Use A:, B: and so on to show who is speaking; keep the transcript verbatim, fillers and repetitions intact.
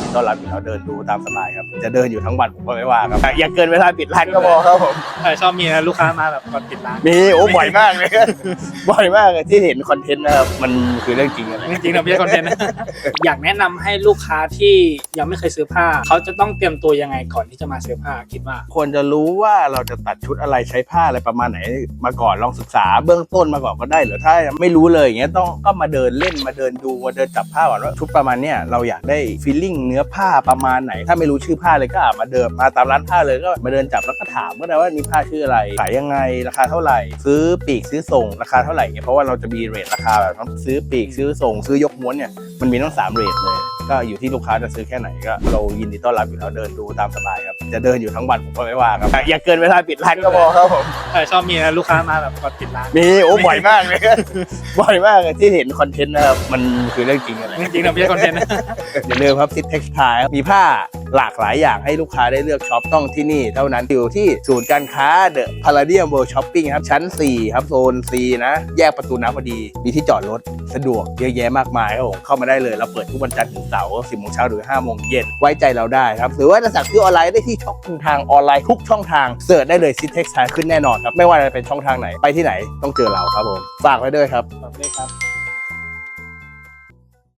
A: ดีต้อนรับอยู่แล้วเดินดูตามสบายครับจะเดินอยู่ทั้งวันผมก็ไม่ว่าครับอย่าเกินเวลาปิดร้านก็พอครับผม
B: ชอบมีนะลูกค้ามาแบบก่อนปิดร้าน
A: มีโอ้บ่อยมากเลยบ่อยมากเลยที่เห็นคอนเทนต์นะครับมันคือเรื่องจริงอะไร
B: จริงๆนะไม่ใช่คอนเทนต์นะอยากแนะนำให้ลูกค้าที่ยังไม่เคยซื้อผ้าเขาจะต้องเตรียมตัวยังไงก่อนที่จะมาซื้อผ้าคิดว่า
A: ควรจะรู้ว่าเราจะตัดชุดอะไรใช้ผ้าอะไรประมาณไหนมาก่อนลองศึกษาเบื้องต้นมาก่อนก็ได้หรือถ้าไม่รู้เลยอย่างเงี้ยต้องก็มาเดินเล่นมาเดินดูมาเดินจับผ้าก่อนว่าชุดประมาณเนี้ยเราอยากได้ฟีลลิ่งเนื้อผ้าประมาณไหนถ้าไม่รู้ชื่อผ้าเลยก็มาเดินมาตามร้านผ้าเลยก็มาเดินจับแล้วก็ถามก็ได้ว่านี่ผ้าชื่ออะไรขายยังไงราคาเท่าไหร่ซื้อปีกซื้อส่งราคาเท่าไหร่เนี่ยเพราะว่าเราจะมีเรทราคาแบบต้องซื้อปีกซื้อส่งซื้อยกม้วนเนี่ยมันมีทั้งสามเรทเลยก็อยู่ที่ลูกค้าจะซื้อแค่ไหนก็เรายินดีต้อนรับอยู่แล้วเดินดูตามสบายครับจะเดินอยู่ทั้งวันผมก็ไม่ว่าครับอย่าเกินเวลาปิดร้านก็พอครับผม
B: ชอบมีนะลูกค้ามาแบบก่อนปิดร้าน
A: มีโอ้บ่อยมากเลยบ่อยมากเลยที่เห็นคอนเทนต์นะครับมันคือเรื่องจริงอะไร
B: จริงๆนะไม่ใช่คอนเทนต์นะ
A: อย่าลืมครับซิทเท็กซ์ไทล์มีผ้าหลากหลายอย่างให้ลูกค้าได้เลือกช็อปต้องที่นี่เท่านั้นอยู่ที่ศูนย์การค้าเดอะพาราเดียมเวิลด์ช้อปปิ้งครับชั้นสี่ครับโซน ซี นะแยกประตูน้ำพอดีมีที่จอดรถสะดวกเยอะแยะมากมายครับผมเข้ามาได้เลยเราเปิดทุกวันจันทร์ถึงเสาร์สิบโมงเช้าถึงห้าโมงเย็นไว้ใจเราได้ครับหรือว่าจะสั่งซื้อออนไลน์ได้ที่ช่องทางออนไลน์ทุกช่องทางเสิร์ชได้เลยซิทเท็กซ์ไทล์ขึ้นแน่นอนครับไม่ว่าจะเป็นช่องทางไหนไปที่ไหนต้องเจอเราครับผมฝากไว้ด้วยครับ
B: ฝากด้วยครับ